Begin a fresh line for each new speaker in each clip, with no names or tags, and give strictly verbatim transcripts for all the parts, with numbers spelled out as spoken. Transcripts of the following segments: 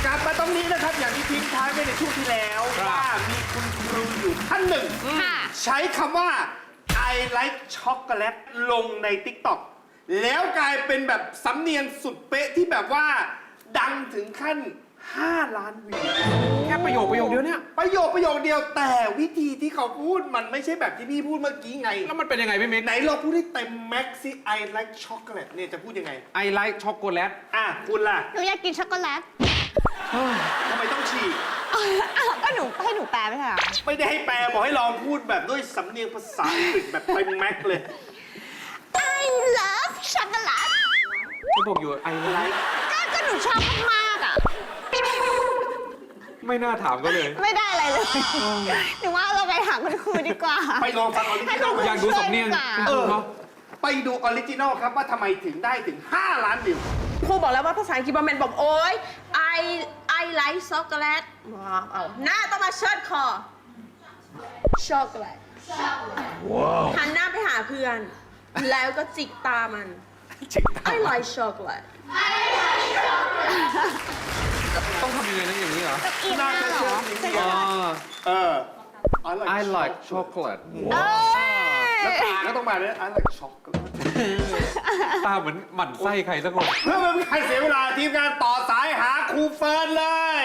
ลับมาตรงนี้นะครับอย่างที่ทิ้งท้ายไว้ในช่วงที่แล้วว่ามีคุณครูอยู่ท่านหนึ่งใช้คำว่า I like chocolate ลงใน ติ๊กต็อก แล้วกลายเป็นแบบสำเนียงสุดเป๊ะที่แบบว่าดังถึงขั้นห้าล้านวิว
แค่ประโยคประโยคเดียวเนี่ย
ประโยคประโยคเดียวแต่วิธีที่เขาพูดมันไม่ใช่แบบที่พี่พูดเมื่อกี้ไง
แล้วมันเป็นยังไงพี่มิก
ไหนเราพูดให้เต็มแม็กซ์ซิ I like chocolate เนี่ยจะพูดยังไง
I like chocolate
อ่ะคุณล่ะ
หนูอยากกินช็อกโกแลต
ทำไมต้องฉีก
ก็หนูให้หนูแปลไม่ใช่เหรอ
ไม่ได้ให้แปลบอกให้ลองพูดแบบด้วยสำเนียงภาษาอังกฤษแบบเต็มแม็กซ์เลย
I love ช็อกโกแลต
ที่บอกอยู่ I like
ก็ก็หนูชอบมากๆอ่ะ
ไม่น่าถามก็เลย
ไม่ได้อะไรเลยหนูว่าเราไปหาคุณครูดีกว่า
ไปลองฟังออริจินอล
อยากดูสำเนียง
เออไปดูออริจินอลครับว่าทำไมถึงได้ถึงห้าล้านวิว
ครูบอกแล้วว่าภาษาอังกฤษบอมเมนบอกโอ๊ย I I like chocolate ว้าวเอาหน้าต้องมาเชิดคอช็อกโกแลตหันหน้าไปหาเพื่อน แล้วก็จิกตามัน I like chocolate
ต้องทำยังไงนะอย่างนี้เหรอ
อีกหน้าเหรอ
อ๋อ
เออ
I like chocolate
เอ้ย
แล้วตาก็ต้องมาด้วย I like chocolate
ตาเหมือนหมั่นไส้ใครสักคน
เพื่อไม่ให้ใครเสียเวลาทีมงานต่อสายหาครูเฟิร์นเลย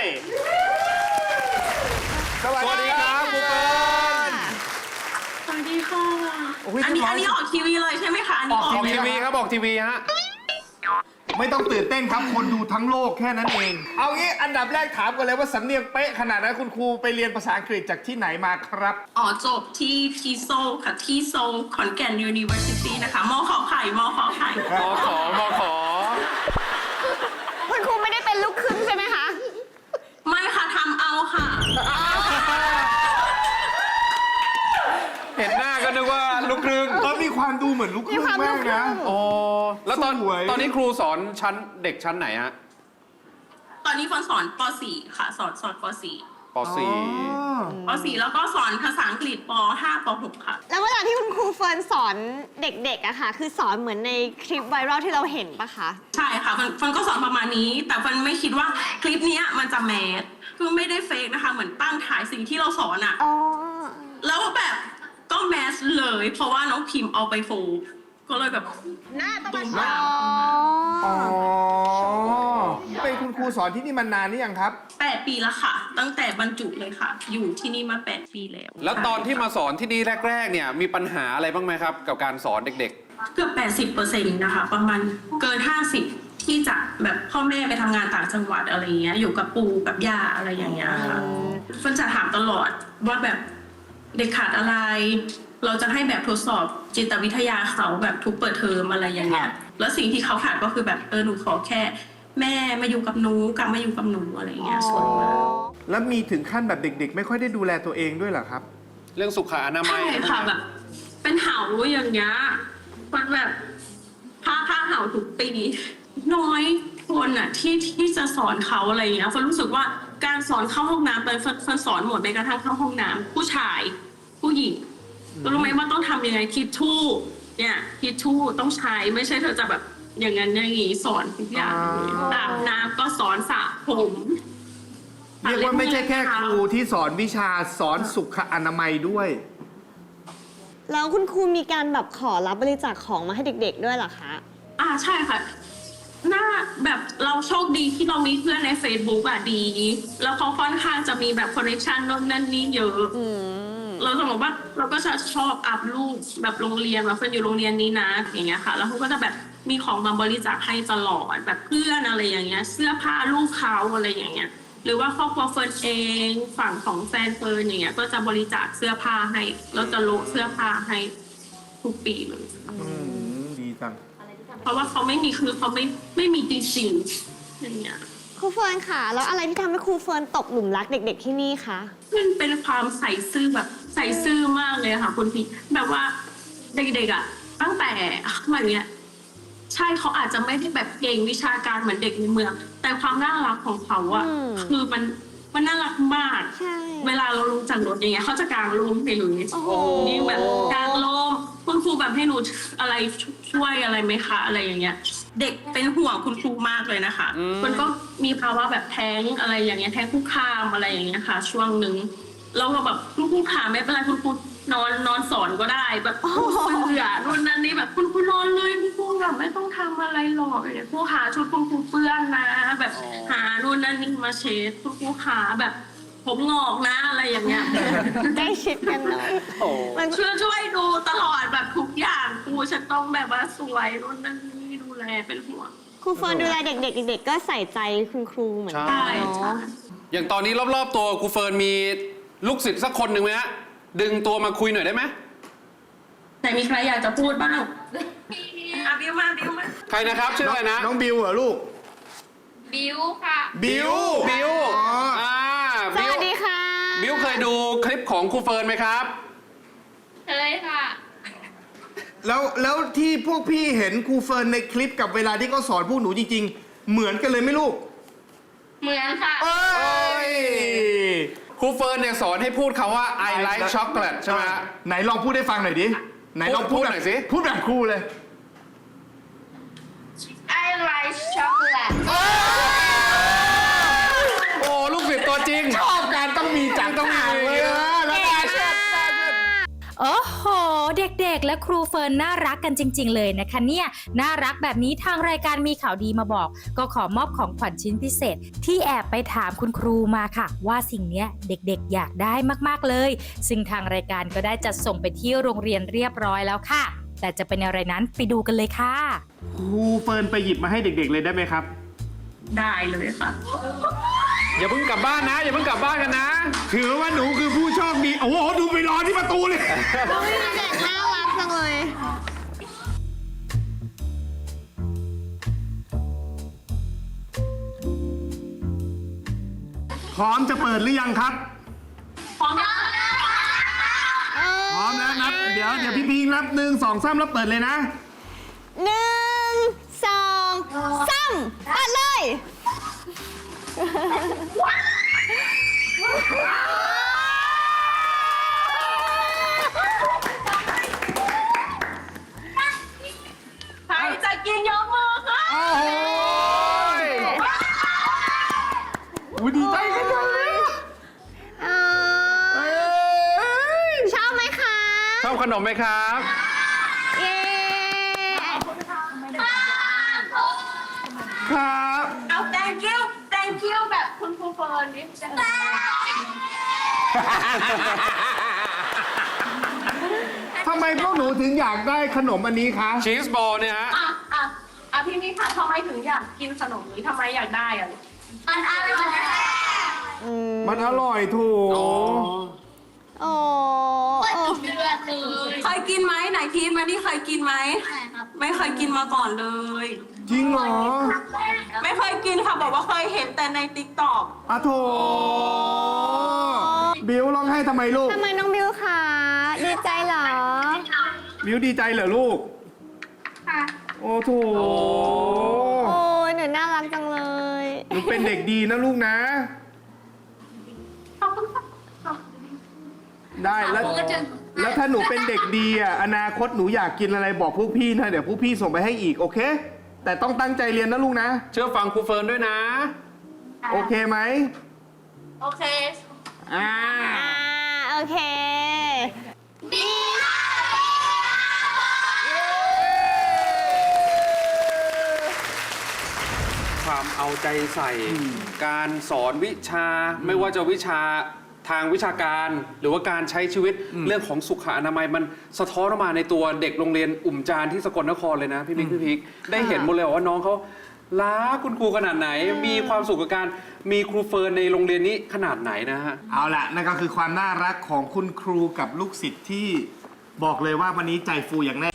สวัสดีครับครูเฟิร์น
สวัสดีค่ะ
โอ้ย
อันนี้
เรียบร้อย
อันนี้ออกทีวีเลยใช่ไหมคะอันนี้ออก
ออกทีวีครับออกทีวีฮะ
ไม่ต้องตื่นเต้นครับคนดูทั้งโลกแค่นั้นเอง เอางี้อันดับแรกถามกันเลยว่าสำเนียงเป๊ะขนาดนั้นคุณครูไปเรียนภาษาอังกฤษจากที่ไหนมาครับ
อ๋อจบที่ที่โซลค่ะที่โซลขอนแก่น University นะคะมขอไข่มขอไข่
มอขอมอขอ
คุณครูไม่ได้เป็นลูกครึ่งใช่ไหมคะ
ไม่ค่ะทำเอาค่ะ
เห็นหน้าก็นึกว่าลูกครึ่ง
เออมีความดูเหมือนลูกครึ่งมากนะ
อ๋อ แล้วตอน
สวย
ตอนนี้ครูสอนชั้นเด็กชั้นไหนฮะ
ตอนนี้ฟอนสอนป .สี่ ค่ะ สอนสอนป .สี่
ป .สี่
ป .สี่ แล้วก็สอนภาษาอังกฤษป .ห้า ป .หก ค่ะ
แล้วเวลาที่คุณครูเฟิร์นสอนเด็กๆอะค่ะ คือสอนเหมือนในคลิปไวรัลที่เราเห็นปะคะ
ใช่ค่ะฟันฟันก็สอนประมาณนี้ แต่ฟันไม่คิดว่าคลิปเนี้ยมันจะแมสคือไม่ได้เฟกนะคะ เหมือนตั้งถ่ายสิ่งที่เราสอนอะ
อ๋อ
แล้วแบบก็แมสเลย เพราะว่าน้องพิมพ์เอาไปโฟล์ก็เลยแบบหน้าต้องมา
อ๋
ฉา
อ
อ๋อ เป็นคุณครูสอนที่นี่มานานหรือยังครับ
แปดปีแล้วค่ะ ตั้งแต่บรรจุเลยค่ะ อยู่ที่นี่มาแปดปีแล้ว
แล้วตอนที่มาสอนที่นี่แรกๆเนี่ยมีปัญหาอะไรบ้างไหมครับ กับการสอนเด็ก
เกือบแปดสิบเปอร์เซ็นต์นะคะ ประมาณเกินห้าสิบที่จะแบบพ่อแม่ไปทำงานต่างจังหวัดอะไรเงี้ยอยู่กับปู่กับย่าอะไรอย่างเงี้ยค่ะฟันจะถามตลอดว่าแบบเด็กขาดอะไร เราจะให้แบบทดสอบจิตวิทยาเขาแบบทุกเปิดเทอมอะไรอย่างเงี้ยแล้วสิ่งที่เขาขาดก็คือแบบเออหนูขอแค่ แม่มาอยู่กับหนูกลับมาอยู่กับหนูอะไรเงี้ยส่วนมาก
แล้วมีถึงขั้นแบบเด็ก ๆ ไม่ค่อยได้ดูแลตัวเองด้วยเหรอครับ
ๆ เรื่องสุขอนามั
ใช่
ย
ค่ะแบบเป็นเห่าอย่างเงี้ยมันแบบผ้าผ้าเห่าทุกปีน้อยคนอ่ะที่ที่จะสอนเขาอะไรอย่างเงี้ยฟันรู้สึกว่าการสอนเข้าห้องน้ำไปฟันฟันสอนหมดไปกระทั่งเข้าห้องน้ำผู้ชายผู้หญิงรู้ไหมว่าต้องทำยังไงทิชชู่เนี่ยทิชชู่ต้องใช้ไม่ใช่เธอจะแบบอย่างนั้นอย่างงี้สอนทุกอย่างอาบน้ำก็สอนสระผม
เรียกว่าไม่ใช่แค่ครูที่สอนวิชาสอนสุขอนามัยด้วย
แล้วคุณครูมีการแบบขอรับบริจาคของมาให้เด็กๆด้วยเหรอคะ
อ่าใช่ค่ะน่าแบบเราโชคดีที่เรามีเพื่อนใน Facebook อ่ะดี แล้วเขาค่อนข้างจะมีแบบคอนเนคชันโน่นนั่นนี่เยอะ
อืม
เราจะบอกว่าเราก็จะชอบอัพรูปแบบโรงเรียนว่าเฟิร์นอยู่โรงเรียนนี้นะอย่างเงี้ยค่ะ แล้วเขาก็จะแบบมีของมาบริจาคให้ตลอดแบบเพื่อนอะไรอย่างเงี้ยเสื้อผ้าลูกเขาอะไรอย่างเงี้ยหรือว่าครอบครัวเฟิร์นเองฝั่งของแฟนเฟิร์นอย่างเงี้ยก็จะบริจาคเสื้อผ้าให้แล้วจะโละเสื้อผ้าให้ทุกปีเลย
อืม ดีจัง
เพราะว่าเขาไม่มีคือเขาไม่ไม่มีจริงๆอย่างเงี้ย
ครูเฟิร์นค่ะ แล้วอะไรที่ทำให้ครูเฟิร์นตกหลุมรักเด็กๆที่นี่คะ
มันเป็นความใส่ซื่อแบบใส่ซื่อมากเลยค่ะคุณพี่แบบว่าเด็กๆอ่ะตั้งแต่มันเนี้ยใช่เขาอาจจะไม่ได้แบบเก่งวิชาการเหมือนเด็กในเมือง แต่ความน่ารักของเขาอ่ะคือมันมันน่ารักมาก
ใช่
เวลาเราลงจากรถอย่างเงี้ยเขาจะกางร่มให้หนู
โอ้โห
นี่แบบกางร่มคุณครูแบบให้หนูอะไรช่วยอะไรไหมคะอะไรอย่างเงี้ยเด็กเป็นห่วงคุณครูมากเลยนะคะ มันก็มีภาวะแบบแท้งอะไรอย่างเงี้ยแท้งคุกคามอะไรอย่างเงี้ยค่ะ ช่วงหนึ่งเราก็แบบคุณครูขาไม่เป็นไรคุณครูนอนนอนสอนก็ได้แบบเบื่อนู่นนั่นนี่แบบคุณครูนอนเลยคุณครูแบบไม่ต้องทำอะไรหรอกเนี่ยครูขาชุดคุณครูเปื้อนนะ แบบหานู่นนั่นนี่มาเช็ดคุณครูขาแบบผมงอกนะอะไรอย่างเงี้ย
ใกล้ชิดกันเลย
โอ้
มัน
ช่วยช่วยดูตลอดแบบทุกอย่างครูฉันต้องแบบว่าสวยนู่นนั่นนี่ดูแลเป็นห่วง
ครูเฟิร์นดูแลเด็กๆเด็กๆก็ใส่ใจคุณครูเหมือนกัน
ใช่
เนาะ
อย่างตอนนี้รอบๆตัวครูเฟิร์นมีลูกศิษย์สักคนหนึ่งไหมฮะดึงตัวมาคุยหน่อยได้ไหม
แต่มีใครอยากจะพูดบ้างอ่ะบิวมาบิวมา
ใครนะครับชื่ออะไรนะ
น้องบิวเหรอลูก
บิวค่ะ
บิว
บิว
อ๋ออ่
อ่า
ส
บิว
วัสดีค่ะ
บิวเคยดูคลิปของครูเฟิร์นไหมครับ
เคยค่ะ
แล้วแล้วที่พวกพี่เห็นครูเฟิร์นในคลิปกับเวลาที่เขาสอนพวกหนูจริง ๆ เหมือนกันเลยไหมลูก
เหมือนค่ะ
เอ้ย
ครูเฟิร์นเนี่ยสอนให้พูดคำว่า I like chocolate ใช่ไหมฮะ
ไหนลองพูดให้ฟังหน่อยดิ ไหนลอง
พู
พู
ด
ด
หน่อยสิ
พูดแบบครูเลย
I like chocolate
โอ้ลูกศิษย์ตัวจริง
ชอบการต้องมีจัด
ต้องมี
ฉากเลยนะแล้วก็เชิด
โอ้โห เด็กๆ และครูเฟิร์นน่ารักกันจริง ๆ เลยนะคะเนี่ยน่ารักแบบนี้ทางรายการมีข่าวดีมาบอก ก็ขอมอบของขวัญชิ้นพิเศษ ที่แอบไปถามคุณครูมาค่ะ ว่าสิ่งเนี้ยเด็กๆ อยากได้มากๆเลย ซึ่งทางรายการก็ได้จัดส่งไปที่โรงเรียนเรียบร้อยแล้วค่ะ แต่จะเป็นอะไรนั้นไปดูกันเลยค่ะ
ครูเฟิร์นไปหยิบมาให้เด็กๆเลยได้ไหมครับ
ได้เลยค่ะ
อย่าเพิ่งกลับบ้านนะ อย่าเพิ่งกลับบ้านกันนะ
ถือว่าหนูคือผู้โชคดี โอ้โห ดูไปรอที่ประตูเลย
ดูเด็กน่ารักจังเลย
พร้อมจะเปิดหรือยังครับ
พร้อมแล้ว
พร้อมแล้วนับ เดี๋ยวเดี๋ยวพี่พิงนับหนึ่งสองสามแล้วเปิดเลยนะ
หนึ่งสองสามปัดเลย
ใครจะกินยกมือค่ะ
โอ้โหอุ๊ยดีใจกันจังเลย
เอ่
เอ้
อย ชอบไหมคะ
ชอบขนมไหมครับ
เย้
ครับ
เอา thank you thank you แบบคุณครูเฟิร์นนี่จะ
ทำไมพวกหนูถึงอยากได้ขนมอันนี้คะ
ชีสบอลเนี่ยฮะ
อ่ะอ่ะอ่ะพี่นี่ค่ะทำไมถึงอยากกินขนมนี้ทำไมอยากได้อ่ะ
มันอร่อย
อืม
มันอร่อยถูก
โอ้โอ้
เดือดเลย
เคยกินไหมไหนทีมมานี่เคยกินไหม
ใช่ครับ
ไม่เคยกินมาก่อนเลย
จริงเหรอ
ไม่เคยกินค่ะบอกว่าเคยเห็นแต่ในติ๊กต็อก
อะโถบิวร้องไห้ทำไมลูก
ทำไมน้องบิวคะดีใจเหรอ
บิวดีใจเหรอลูก
ค่ะ
โอ้โถ
โอ้ยหนูน่ารักจังเลย
หนูเป็นเด็กดีนะลูกนะ
ขอบคุณค่ะ
ได้แล้ว แล้วถ้าหนูเป็นเด็กดีอ่ะอนาคตหนูอยากกินอะไรบอกพวกพี่นะเดี๋ยวพวกพี่ส่งไปให้อีกโอเค แต่ต้องตั้งใจเรียนนะลูกนะ
เชื่อฟังครูเฟิร์นด้วยนะ
โอเคไหม
โอเค
อ่า
อ่า โอเค
ความเอาใจใส่ การสอนวิชา ไม่ว่าจะวิชาทางวิชาการ หรือว่าการใช้ชีวิตเรื่องของสุขอนามัยมันสะท้อนออกมาในตัวเด็กโรงเรียนอุ่มจานที่สกลนครเลยนะพี่บิ๊กพี่พิกได้เห็นหมดเลยว่าน้องเขารักคุณครูขนาดไหน มีความสุขกับการมีครูเฟิร์นในโรงเรียนนี้ขนาดไหนนะฮะ
เอาละนั่นก็คือความน่ารักของคุณครูกับลูกศิษย์ที่บอกเลยว่าวันนี้ใจฟูอย่างแน่